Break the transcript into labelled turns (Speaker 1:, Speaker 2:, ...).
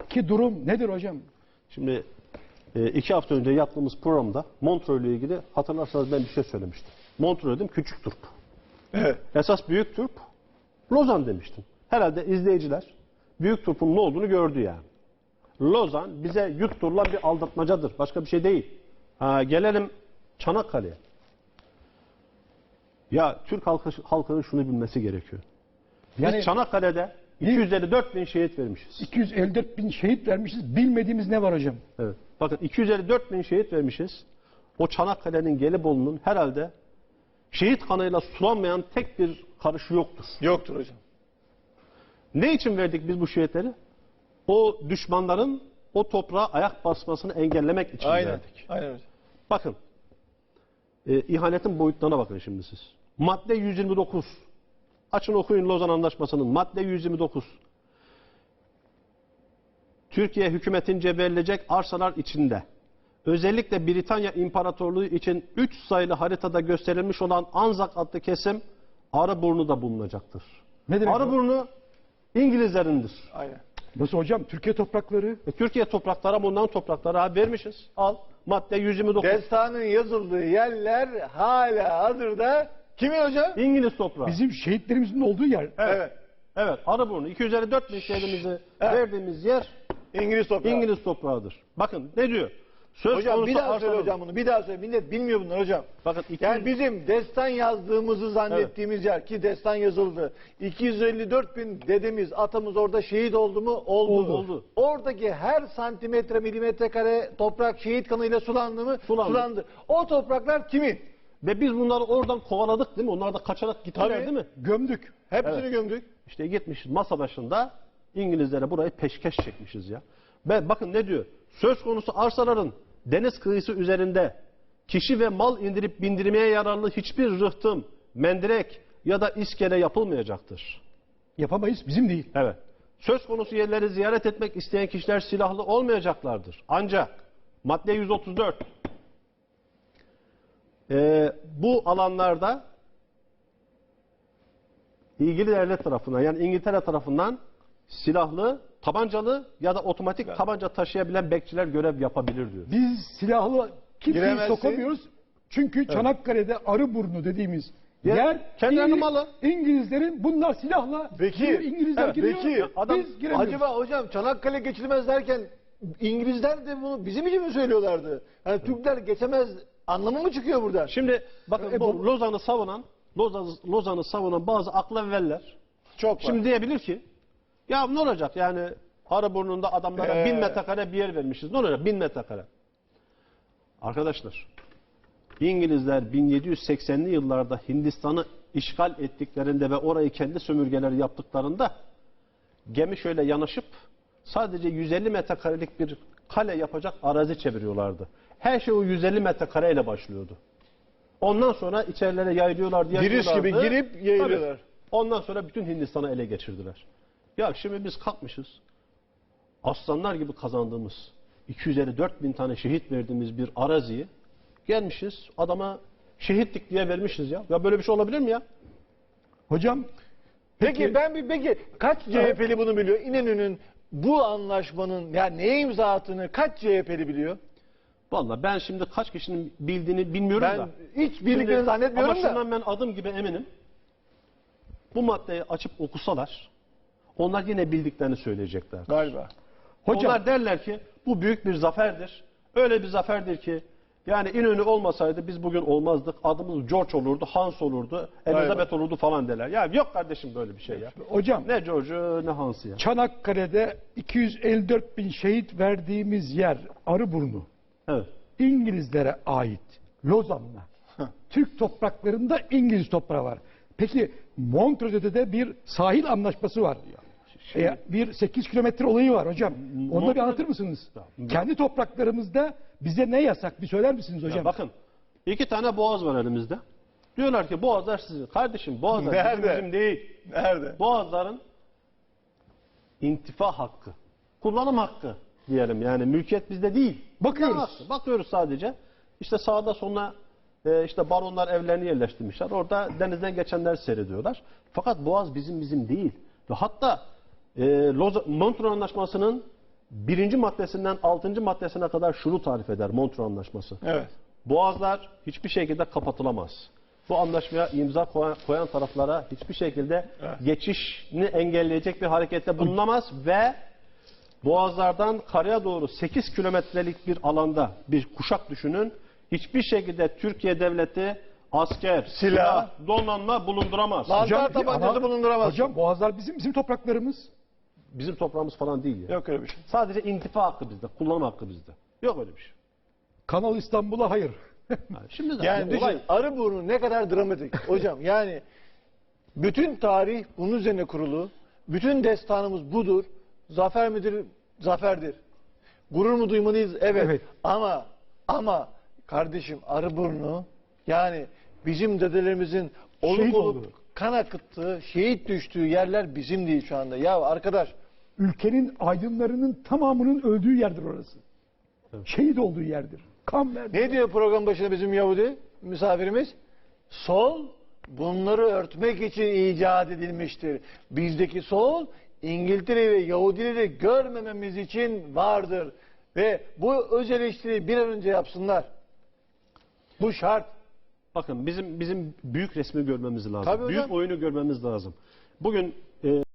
Speaker 1: Ki durum nedir hocam?
Speaker 2: Şimdi 2 hafta önce yaptığımız programda Montreux ile ilgili hatırlarsanız ben bir şey söylemiştim. Montreux dedim, küçük turp.
Speaker 3: Evet.
Speaker 2: Esas büyük turp Lozan demiştim. Herhalde izleyiciler büyük turpun ne olduğunu gördü yani. Lozan bize yutturulan bir aldatmacadır. Başka bir şey değil. Gelelim Çanakkale'ye. Ya Türk halkının şunu bilmesi gerekiyor. Biz
Speaker 1: Yani
Speaker 2: Çanakkale'de 254 bin şehit vermişiz.
Speaker 1: 254 bin şehit vermişiz. Bilmediğimiz ne var hocam?
Speaker 2: Evet. Bakın 254 bin şehit vermişiz. O Çanakkale'nin, Gelibolu'nun herhalde şehit kanıyla sulanmayan tek bir karışı yoktur.
Speaker 3: Yoktur hocam.
Speaker 2: Ne için verdik biz bu şehitleri? O düşmanların o toprağa ayak basmasını engellemek için verdik.
Speaker 3: Aynen hocam.
Speaker 2: Bakın. İhanetin boyutlarına bakın şimdi siz. Madde 129. Açın okuyun Lozan Anlaşması'nın madde 129. Türkiye hükümetince verilecek arsalar içinde özellikle Britanya İmparatorluğu için 3 sayılı haritada gösterilmiş olan Anzak adlı kesim Arıburnu'da bulunacaktır.
Speaker 1: Ne demek bu?
Speaker 2: Arıburnu İngilizlerindir.
Speaker 3: Aynen.
Speaker 1: Nasıl hocam? Türkiye toprakları.
Speaker 2: Türkiye toprakları ama onların toprakları vermişiz. Al madde 129.
Speaker 3: Destanın yazıldığı yerler hala hazırda kimin hocam?
Speaker 2: İngiliz toprağı.
Speaker 1: Bizim şehitlerimizin olduğu yer.
Speaker 3: Evet.
Speaker 2: Evet, Arıburnu 254 bin şehrimizi verdiğimiz yer
Speaker 3: İngiliz toprağı.
Speaker 2: İngiliz toprağıdır. Bakın ne diyor? Söz
Speaker 3: Hocam
Speaker 2: konusu
Speaker 3: bir daha söyle
Speaker 2: arsaların-
Speaker 3: hocam bunu. Bir daha söyle. Millet bilmiyor bunları hocam.
Speaker 2: Bakın 200,
Speaker 3: Yani bizim destan yazdığımızı zannettiğimiz yer ki destan yazıldı. 254 bin dedemiz, atamız orada şehit oldu mu?
Speaker 2: Oldu.
Speaker 3: Oradaki her santimetre, milimetre kare toprak şehit kanıyla sulandı mı?
Speaker 2: Sulandı.
Speaker 3: O topraklar kimin?
Speaker 2: ve biz bunları oradan kovaladık değil mi? Onlar da kaçarak gittiler
Speaker 3: Tabii.
Speaker 2: değil mi?
Speaker 1: Gömdük.
Speaker 3: Hepsini gömdük.
Speaker 2: İşte gitmişiz masa başında İngilizlere burayı peşkeş çekmişiz ya. Ve bakın ne diyor? Söz konusu arsaların deniz kıyısı üzerinde kişi ve mal indirip bindirmeye yararlı hiçbir rıhtım, mendirek ya da iskele yapılmayacaktır.
Speaker 1: Yapamayız. Bizim değil.
Speaker 2: Evet. Söz konusu yerleri ziyaret etmek isteyen kişiler silahlı olmayacaklardır. Ancak madde 134 bu alanlarda ilgili devlet tarafından yani İngiltere tarafından silahlı, tabancalı ya da otomatik tabanca taşıyabilen bekçiler görev yapabilir diyor.
Speaker 1: Biz silahlı kimseyi
Speaker 3: Giremezsin.
Speaker 1: sokamıyoruz. Çünkü Çanakkale'de Arıburnu dediğimiz yer
Speaker 2: kendilerinin malı.
Speaker 1: İngilizlerin bunlar silahla
Speaker 3: Peki,
Speaker 1: İngilizler
Speaker 3: evet,
Speaker 1: giriyor.
Speaker 3: peki,
Speaker 2: adam-
Speaker 1: Biz giremiyoruz.
Speaker 3: Acaba hocam Çanakkale geçilmez derken İngilizler de bunu bizim için mi söylüyorlardı? Yani Türkler geçemez anlamı mı çıkıyor buradan?
Speaker 2: Şimdi bakın bu Lozan'ı savunan bazı aklavveller
Speaker 3: Çok var.
Speaker 2: şimdi diyebilir ki ya ne olacak yani Arıburnu'nda adamlara 1000 metrekare bir yer vermişiz. Ne olacak 1000 metrekare? Arkadaşlar İngilizler 1780'li yıllarda Hindistan'ı işgal ettiklerinde ve orayı kendi sömürgeleri yaptıklarında gemi şöyle yanaşıp sadece 150 metrekarelik bir kale yapacak arazi çeviriyorlardı. Her şey o 150 metrekareyle başlıyordu. Ondan sonra içerilere yayılıyorlardı.
Speaker 3: Giriş gibi girip yayılıyorlar.
Speaker 2: Tabii. Ondan sonra bütün Hindistan'ı ele geçirdiler. Ya şimdi biz kalkmışız. Aslanlar gibi kazandığımız 254 bin tane şehit verdiğimiz bir araziyi gelmişiz adama şehitlik diye vermişiz ya. Ya böyle bir şey olabilir mi ya?
Speaker 1: Hocam
Speaker 3: Peki kaç CHP'li bunu biliyor? İnönü'nün bu anlaşmanın yani neye imza attığını kaç CHP'li biliyor?
Speaker 2: Vallahi ben şimdi kaç kişinin bildiğini bilmiyorum
Speaker 3: Ben
Speaker 2: da.
Speaker 3: hiç bildiklerini zannetmiyorum
Speaker 2: ama
Speaker 3: da.
Speaker 2: şundan ben adım gibi eminim. Bu maddeyi açıp okusalar onlar yine bildiklerini söyleyecekler.
Speaker 3: Galiba.
Speaker 1: hocam
Speaker 2: Onlar derler ki bu büyük bir zaferdir. Öyle bir zaferdir ki yani İnönü olmasaydı biz bugün olmazdık. Adımız George olurdu, Hans olurdu, Elizabeth olurdu falan derler. Ya yok kardeşim böyle bir şey ya.
Speaker 1: hocam
Speaker 2: Ne George'u ne Hans'ı ya.
Speaker 1: Çanakkale'de 254 bin şehit verdiğimiz yer Arıburnu.
Speaker 2: Evet.
Speaker 1: İngilizlere ait. Lozan'la. Türk topraklarında İngiliz toprağı var. Peki Montreux'de de bir sahil anlaşması var. Bir 8 kilometre olayı var hocam. Onu da bir anlatır mısınız? Kendi topraklarımızda bize ne yasak? Bir söyler misiniz hocam?
Speaker 2: Ya bakın 2 tane boğaz var elimizde. Diyorlar ki boğazlar sizin. Kardeşim boğazlar
Speaker 3: Nerede?
Speaker 2: bizim değil.
Speaker 3: Nerede?
Speaker 2: Boğazların intifa hakkı, kullanım hakkı diyelim yani mülkiyet bizde değil.
Speaker 1: Bakıyoruz.
Speaker 2: Bakıyoruz sadece. İşte sağda soluna işte baronlar evlerini yerleştirmişler. Orada denizden geçenler seyrediyorlar. Fakat boğaz bizim değil. Ve hatta Montreux Anlaşması'nın birinci maddesinden 6. maddesine kadar şunu tarif eder Montreux Anlaşması.
Speaker 3: Evet.
Speaker 2: Boğazlar hiçbir şekilde kapatılamaz. Bu anlaşmaya imza koyan taraflara hiçbir şekilde geçişini engelleyecek bir harekette bulunamaz ve boğazlardan karaya doğru 8 kilometrelik bir alanda bir kuşak düşünün. Hiçbir şekilde Türkiye devleti asker, silah, donanma bulunduramaz.
Speaker 3: Lazer tabancası bulunduramaz.
Speaker 1: Hocam Boğazlar bizim topraklarımız.
Speaker 2: Bizim toprağımız falan değil ya.
Speaker 3: Yok öyle bir şey.
Speaker 2: Sadece intifa hakkı bizde, kullanım hakkı bizde. Yok öyle bir şey.
Speaker 1: Kanal İstanbul'a hayır.
Speaker 2: Yani şimdi zaten
Speaker 3: Yani
Speaker 2: olay
Speaker 3: düşün, Arıburnu ne kadar dramatik. Hocam yani bütün tarih bunun üzerine kurulu. Bütün destanımız budur. Zafer midir? Zaferdir. Gurur mu duymalıyız? Evet.
Speaker 1: Evet.
Speaker 3: Ama kardeşim Arıburnu yani bizim dedelerimizin
Speaker 1: Şehit
Speaker 3: olup
Speaker 1: oldu.
Speaker 3: kan akıttığı, şehit düştüğü yerler bizim değil şu anda. Ya arkadaş
Speaker 1: Ülkenin aydınlarının tamamının öldüğü yerdir orası. Şehit olduğu yerdir. Kan verdi.
Speaker 3: ne diyor program başında bizim Yahudi misafirimiz? Sol bunları örtmek için icat edilmiştir. Bizdeki sol İngiltere ve Yahudileri görmememiz için vardır. Ve bu öz eleştiriyi bir an önce yapsınlar. Bu şart.
Speaker 2: bakın bizim büyük resmi görmemiz lazım.
Speaker 3: Tabii hocam.
Speaker 2: Büyük oyunu görmemiz lazım. Bugün